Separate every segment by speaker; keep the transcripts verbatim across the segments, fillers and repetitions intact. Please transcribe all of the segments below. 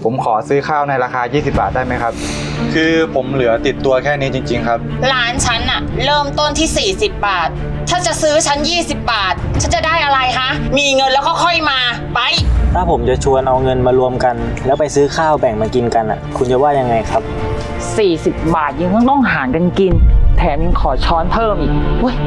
Speaker 1: ผมขอซื้อข้าวในราคายี่สิบบาทได้ไหมครับคือผมเหลือติดตัวแค่นี้จริงๆครับ
Speaker 2: ร้านฉันอะเริ่มต้นที่สี่สิบบาทถ้าจะซื้อฉันยี่สิบบาทฉันจะได้อะไรฮะมีเงินแล้วก็ค่อยมาไป
Speaker 3: ถ้าผมจะชวนเอาเงินมารวมกันแล้วไปซื้อข้าวแบ่งมากินกันอ่ะคุณจะว่ายังไงครับ
Speaker 4: สี่สิบบาทยังต้องหารกันกินแถมยังขอช้อนเพิ่มอีกเว้ย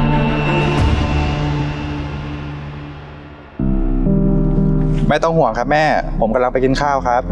Speaker 1: ไม่ต้องห่วงครับแม่ผมกำลังไปกินข้าวครับ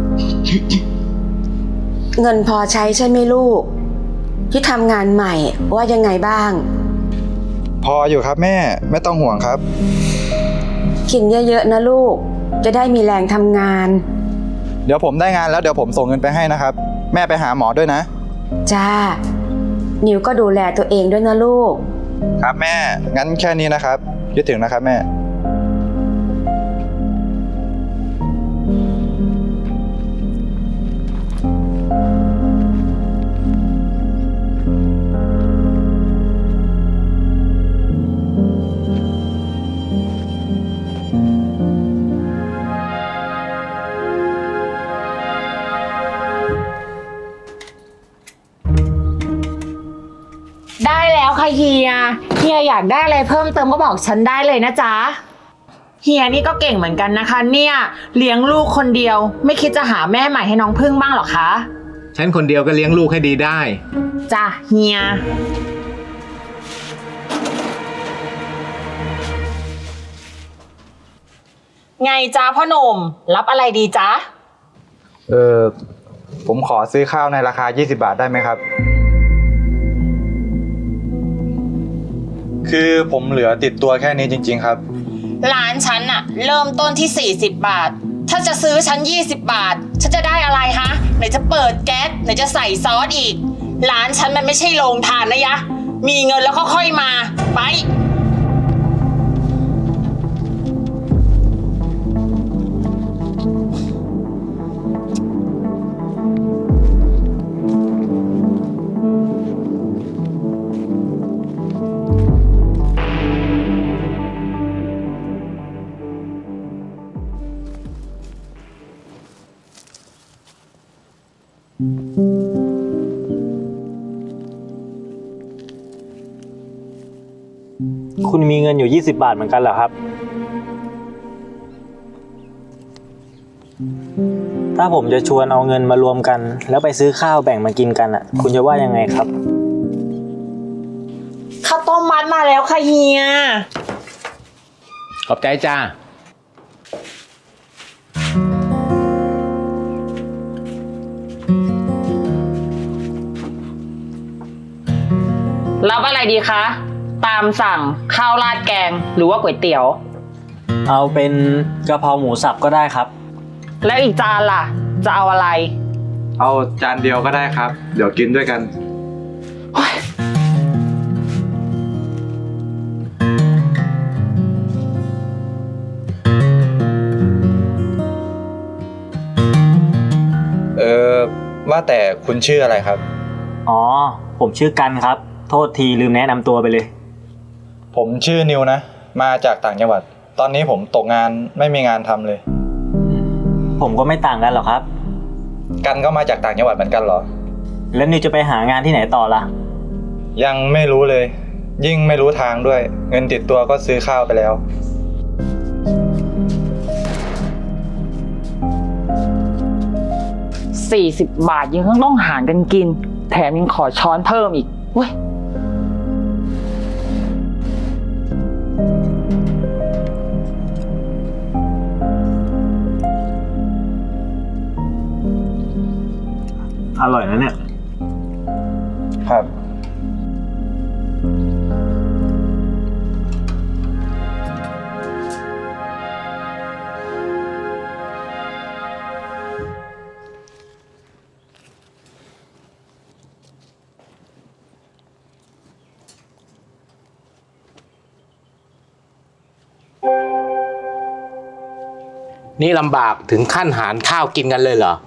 Speaker 5: เงินพอใช้ใช่ไหมลูกที่ทำงานใหม่ว่ายังไงบ้าง
Speaker 1: พออยู่ครับแม่ไม่ต้องห่วงครับ
Speaker 5: กินเยอะๆนะลูกจะได้มีแรงทำงาน
Speaker 1: เดี๋ยวผมได้งานแล้วเดี๋ยวผมส่งเงินไปให้นะครับแม่ไปหาหมอด้วยนะ
Speaker 5: จ้านิวก็ดูแลตัวเองด้วยนะลูก
Speaker 1: ครับแม่งั้นแค่นี้นะครับคิดถึงนะครับแม่
Speaker 2: ได้แล้วค่ะเฮียเฮียอยากได้อะไรเพิ่มเติมก็บอกฉันได้เลยนะจ๊ะเฮียนี่ก็เก่งเหมือนกันนะคะเนี่ยเลี้ยงลูกคนเดียวไม่คิดจะหาแม่ใหม่ให้น้องพึ่งบ้างหรอคะ
Speaker 6: ฉันคนเดียวก็เลี้ยงลูกให้ดีได้
Speaker 2: จ้ะเฮียไงจ๊ะพ่อหนุ่มรับอะไรดีจ๊ะ
Speaker 1: เออผมขอซื้อข้าวในราคายี่สิบบาทได้ไหมครับคือผมเหลือติดตัวแค่นี้จริงๆครับ
Speaker 2: ร้านฉันอะเริ่มต้นที่สี่สิบบาทถ้าจะซื้อฉันยี่สิบบาทฉันจะได้อะไรฮะไหนจะเปิดแก๊สไหนจะใส่ซอสอีกร้านฉันมันไม่ใช่โรงทานนะยะมีเงินแล้วก็ค่อยมาไป
Speaker 3: คุณมีเงินอยู่ยี่สิบบาทเหมือนกันเหรอครับถ้าผมจะชวนเอาเงินมารวมกันแล้วไปซื้อข้าวแบ่งมากินกันอ่ะคุณจะว่ายังไงครับ
Speaker 2: ข้าวต้มมัดมาแล้วค่ะเฮีย
Speaker 6: ขอบใจจ้า
Speaker 4: รับอะไรดีคะตามสั่งข้าวราดแกงหรือว่าก๋วยเตี๋ยว
Speaker 3: เอาเป็นกะเพราหมูสับก็ได้ครับ
Speaker 4: แล้วอีกจานล่ะจะเอาอะไร
Speaker 1: เอาจานเดียวก็ได้ครับเดี๋ยวกินด้วยกันเออว่าแต่คุณชื่ออะไรครับ
Speaker 3: อ๋อผมชื่อกันครับโทษทีลืมแนะนำตัวไปเลย
Speaker 1: ผมชื่อนิวนะมาจากต่างจังหวัดตอนนี้ผมตกงานไม่มีงานทำเลย
Speaker 3: ผมก็ไม่ต่างกันหรอกครับ
Speaker 1: กันก็มาจากต่างจังหวัดเหมือนกันเหรอ
Speaker 3: แล้วนิวจะไปหางานที่ไหนต่อล่ะ
Speaker 1: ยังไม่รู้เลยยิ่งไม่รู้ทางด้วยเงินติดตัวก็ซื้อข้าวไปแล้ว
Speaker 4: สี่สิบบาทยังต้องหารกันกินแถมยังขอช้อนเพิ่มอีกเว้ย
Speaker 3: อร่อยนะเนี่ย
Speaker 1: ครับ
Speaker 6: นี่ลำบากถึงขั้นหารข้าวกินกันเลยเหรอ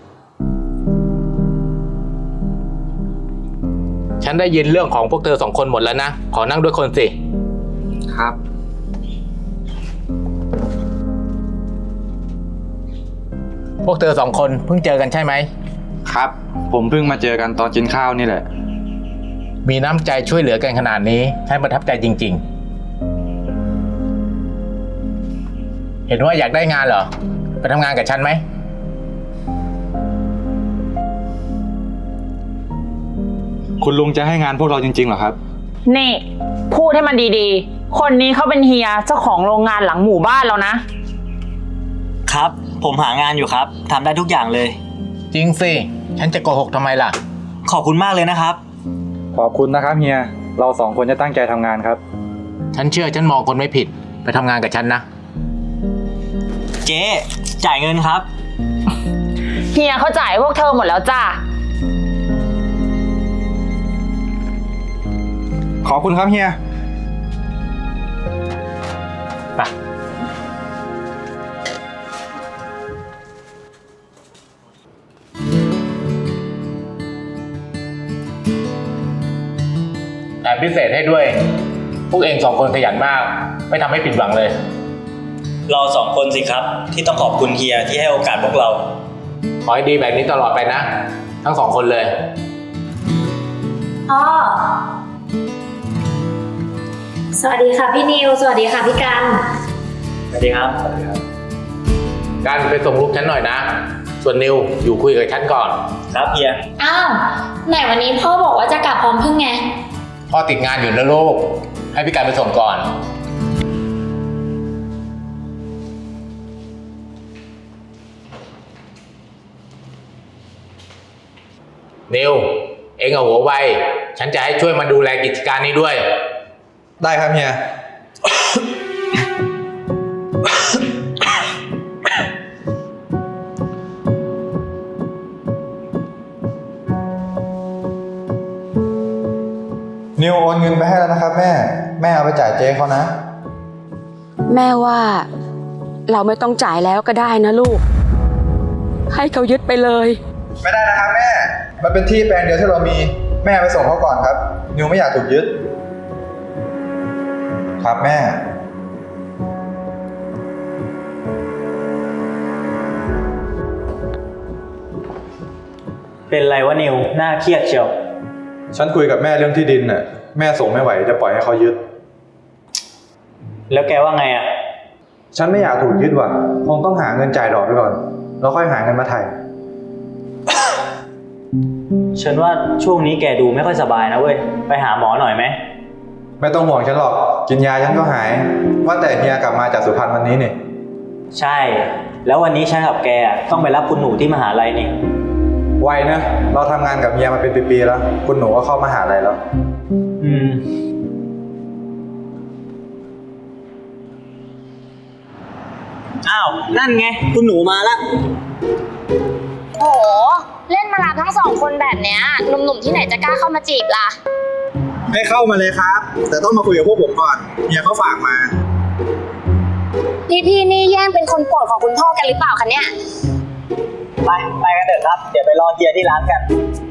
Speaker 6: ฉันได้ยินเรื่องของพวกเธอสองคนหมดแล้วนะขอนั่งด้วยคนสิ
Speaker 1: ครับ
Speaker 6: วกเธอสองคนเพิ่งเจอกันใช่ไหม
Speaker 1: ครับ ผมเพิ่งมาเจอกันตอนกินข้าวนี่แหละ
Speaker 6: มีน้ำใจช่วยเหลือกันขนาดนี้ฉันประทับใจจริงๆ เห็นว่าอยากได้งานเหรอ ไปทำงานกับฉันไหม
Speaker 1: คุณลุงจะให้งานพวกเราจริงๆเหรอครับ
Speaker 4: นี่พูดให้มันดีๆ คนนี้เขาเป็นเฮียเจ้าของโรงงานหลังหมู่บ้านแล้วนะ
Speaker 3: ครับ ผมหางานอยู่ครับทำได้ทุกอย่างเลย
Speaker 6: จริงสิ ฉันจะโกหกทำไมล่ะ
Speaker 3: ขอบคุณมากเลยนะครับ
Speaker 1: ขอบคุณนะครับเฮีย เราสองคนจะตั้งใจทำงานครับ
Speaker 6: ฉันเชื่อฉันมองคนไม่ผิด ไปทำงานกับฉันนะ
Speaker 3: เจ๊จ่ายเงินครับ
Speaker 4: เฮียเขาจ่ายพวกเธอหมดแล้วจ้า
Speaker 1: ขอบคุณครับเฮีย
Speaker 6: ไป แถมพิเศษให้ด้วย พวกเองสองคนขยันมาก ไม่ทำให้ผิดหวังเลย
Speaker 3: เราสองคนสิครับ ที่ต้องขอบคุณเฮียที่ให้โอกาสพวกเรา
Speaker 6: ขอให้ดีแบบนี้ตลอดไปนะ ทั้งสองคนเลย
Speaker 7: พ่อ สวัสดีค่ะพี่นิว สวัสดีค่ะพี่กัน
Speaker 3: สวัสดีครับ
Speaker 6: การไปส่งลูกฉันหน่อยนะ ส่วนนิวอยู่คุยกับฉันก่อน
Speaker 3: ครับเฮีย
Speaker 7: อ้าว ไหนวันนี้พ่อบอกว่าจะกลับพร้อมพึ่งไง
Speaker 6: พ่อติดงานอยู่นะลูก ให้พี่การไปส่งก่อน นิว เองเอาหัวไว ฉันจะให้ช่วยมาดูแลกิจการนี้ด้วย
Speaker 1: ได้ครับเฮีย นิวโอนเงินไปให้แล้วนะครับแม่ แม่เอาไปจ่ายเจ๊เขานะ
Speaker 5: แม่ว่าเราไม่ต้องจ่ายแล้วก็ได้นะลูก ให้เขายึดไปเลย
Speaker 1: ไม่ได้นะครับแม่ มันเป็นที่แปลงเดียวที่เรามี แม่ไปส่งเขาก่อนครับ นิวไม่อยากถูกยึด ครับแม่
Speaker 3: เป็นไรวะนิว น่าเครียดเชียว
Speaker 1: ฉันคุยกับแม่เรื่องที่ดินน่ะ แม่ส่งไม่ไหวจะปล่อยให้เขายึด
Speaker 3: แล้วแกว่าไงอ่ะ
Speaker 1: ฉันไม่อยากถูกยึดว่ะ คงต้องหาเงินจ่ายดอกไปก่อน แล้วค่อยหาเงินมาไถ่
Speaker 3: ฉันว่าช่วงนี้แกดูไม่ค่อยสบายนะเว้ย ไปหาหมอหน่อยไหม
Speaker 1: ไม่ต้องห่วงฉันหรอก กินยาฉันก็หาย ว่าแต่เฮียกลับมาจากสุพรรณวันนี้นี่
Speaker 3: ใช่ แล้ววันนี้ฉันกับแกอะต้องไปรับคุณหนูที่มหาลัยนี่
Speaker 1: ไวนะ เราทำงานกับเฮียมาเป็นปีๆแล้ว คุณหนูก็เข้ามหาลัยแล้ว
Speaker 3: อืม อ้าว นั่นไง คุณหนูมาละ
Speaker 7: โห เล่นมารับทั้งสองคนแบบเนี้ยหนุ่มๆที่ไหนจะกล้าเข้ามาจีบล่ะ
Speaker 1: ให้เข้ามาเลยครับ แต่ต้องมาคุยกับพวกผมก่อน เฮียเขาฝากมา
Speaker 7: พี่ๆนี่แย่งเป็นคนโปรดของคุณพ่อกันหรือเปล่าคะเนี่ย
Speaker 3: ไป ไปกันเถอะครับ เดี๋ยวไปรอเฮียที่ร้านกัน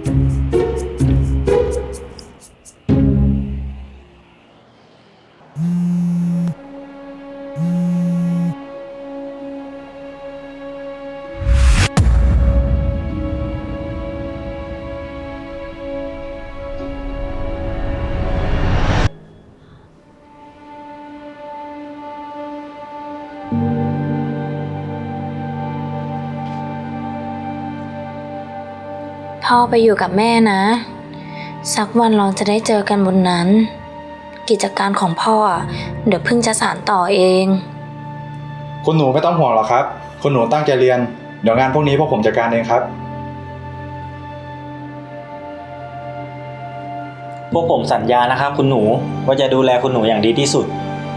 Speaker 7: พ่อไปอยู่กับแม่นะ สักวันเราจะได้เจอกันบนนั้น กิจการของพ่อเดี๋ยวเพิ่งจะสานต่อเอง
Speaker 1: คุณหนูไม่ต้องห่วงหรอกครับ คุณหนูตั้งใจเรียน เดี๋ยวงานพวกนี้พวกผมจัดการเองครับ
Speaker 3: พวกผมสัญญานะครับคุณหนูว่าจะดูแลคุณหนูอย่างดีที่สุด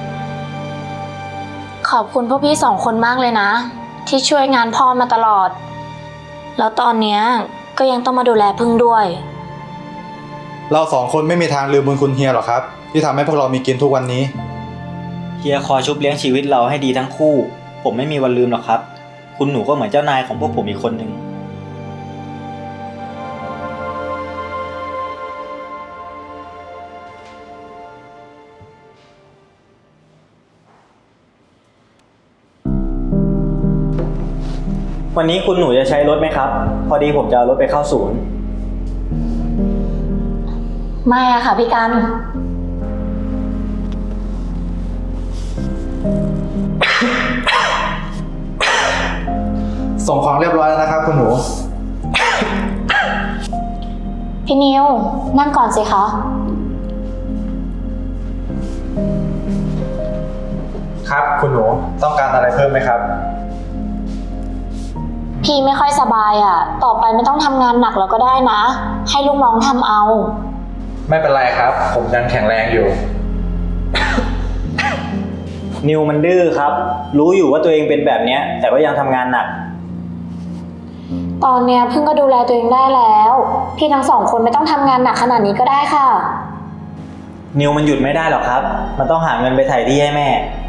Speaker 7: ขอบคุณพวกพี่สองคนมากเลยนะ ที่ช่วยงานพ่อมาตลอด แล้วตอนเนี้ยก็ยังต้องมาดูแลพึ่งด้วย
Speaker 1: เราสองคนไม่มีทางลืมบุญคุณเฮียหรอกครับ ที่ทำให้พวกเรามีกินทุกวันนี้
Speaker 3: เฮียคอยชุบเลี้ยงชีวิตเราให้ดีทั้งคู่ ผมไม่มีวันลืมหรอกครับ คุณหนูก็เหมือนเจ้านายของพวกผมอีกคนหนึ่ง วันวันนี้คุณหนูจะใช้รถไหมครับ พอดีผมจะเอารถไปเข้าศูนย์
Speaker 7: ไม่อะค่ะพี่กัน
Speaker 1: ส่งของเรียบร้อยแล้วนะครับคุณหนู
Speaker 7: พี่นิวนั่งก่อนสิคะ
Speaker 1: ครับคุณหนูต้องการอะไรเพิ่มไหมครับ
Speaker 7: พี่ไม่ค่อยสบายอะต่อไปไม่ต้องทำงานหนักแล้วก็ได้นะ ให้ลูกน้องทำเอา
Speaker 1: ไม่เป็นไรครับ ผมยังแข็งแรงอยู่
Speaker 3: นิวมันดื้อครับ รู้อยู่ว่าตัวเองเป็นแบบเนี้ย แต่ก็ยังทำงานหนัก
Speaker 7: ตอนเนี้ยเพิ่งก็ดูแลตัวเองได้แล้ว พี่ทั้งสองคนไม่ต้องทำงานหนักขนาดนี้ก็ได้ค่ะ
Speaker 3: นิวมันหยุดไม่ได้หรอกครับ มันต้องหาเงินไปไถ่ที่ให้แม่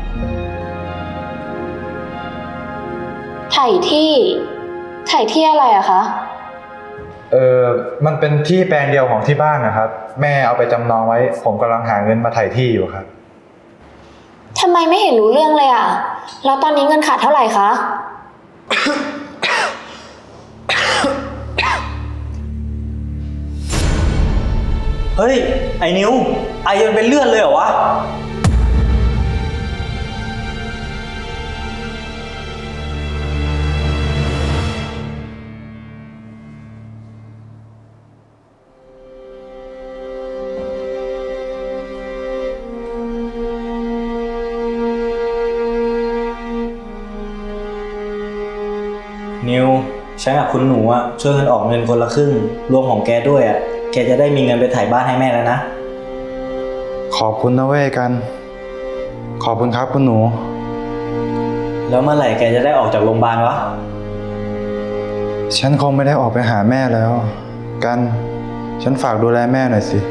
Speaker 7: ไถ่ที่ ไถ่ที่อะไรอะคะ
Speaker 1: เออมันเป็นที่แปลงเดียวของที่บ้านนะครับ แม่เอาไปจำนองไว้ ผมกำลังหาเงินมาไถ่ที่อยู่ครับ
Speaker 7: ทำไมไม่เห็นรู้เรื่องเลยอะแล้วตอนนี้เงินขาดเท่าไหร่คะ
Speaker 3: เฮ้ย ไอ้นิว ไอจนเป็นเลือดเลยเหรอวะ นิว ฉันกับคุณหนูอะช่วยกันออกเงินคนละครึ่ง รวมของแกด้วยอะแกจะได้มีเงินไปถ่ายบ้านให้แม่แล้วนะ
Speaker 1: ขอบคุณนะเว้ยกัน ขอบคุณครับคุณหนู
Speaker 3: แล้วเมื่อไหร่แกจะได้ออกจากโรงพยาบาลวะ
Speaker 1: ฉันคงไม่ได้ออกไปหาแม่แล้ว กัน ฉันฝากดูแลแม่หน่อยสิ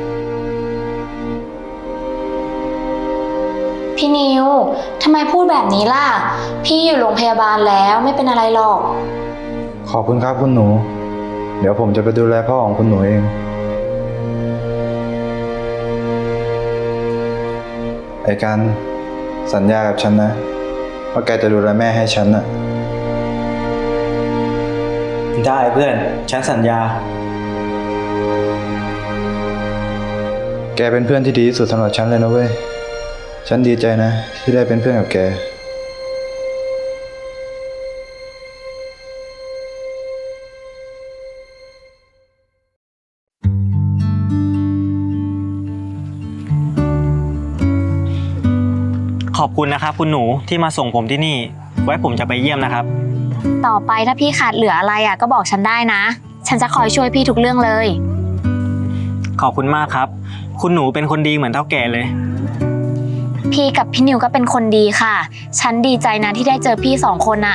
Speaker 7: พี่นิว ทำไมพูดแบบนี้ล่ะ พี่อยู่โรงพยาบาลแล้วไม่เป็นอะไรหรอก
Speaker 1: ขอบคุณครับคุณหนู เดี๋ยวผมจะไปดูแลพ่อของคุณหนูเอง ไอ้กันสัญญากับฉันนะ ว่าแกจะดูแลแม่ให้ฉันน่ะ
Speaker 3: ได้เพื่อน ฉันสัญญา
Speaker 1: แกเป็นเพื่อนที่ดีที่สุดสำหรับฉันเลยนะเว้ย ฉันดีใจนะ ที่ได้เป็นเพื่อนกับแก
Speaker 3: ขอบคุณนะครับคุณหนูที่มาส่งผมที่นี่ ไว้ผมจะไปเยี่ยมนะครับ
Speaker 7: ต่อไปถ้าพี่ขาดเหลืออะไรอ่ะก็บอกฉันได้นะ ฉันจะคอยช่วยพี่ทุกเรื่องเลย
Speaker 3: ขอบคุณมากครับ คุณหนูเป็นคนดีเหมือนเท่าแก่เลย
Speaker 7: พี่กับพี่นิวก็เป็นคนดีค่ะ ฉันดีใจนะที่ได้เจอพี่สองคนอ่ะ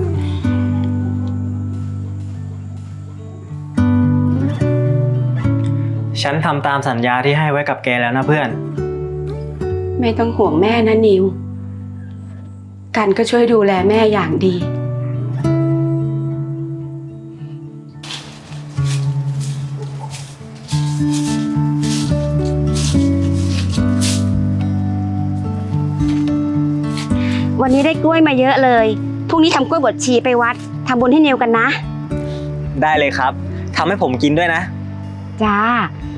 Speaker 3: ฉันทำตามสัญญาที่ให้ไว้กับแกแล้วนะเพื่อน
Speaker 5: ไม่ต้องห่วงแม่นะนิว กันก็ช่วยดูแลแม่อย่างดี
Speaker 8: วันนี้ได้กล้วยมาเยอะเลยพรุ่งนี้ทำกล้วยบดชีไปวัดทำบุญให้นิวกันนะ
Speaker 3: ได้เลยครับทำให้ผมกินด้วยนะ
Speaker 8: จ้า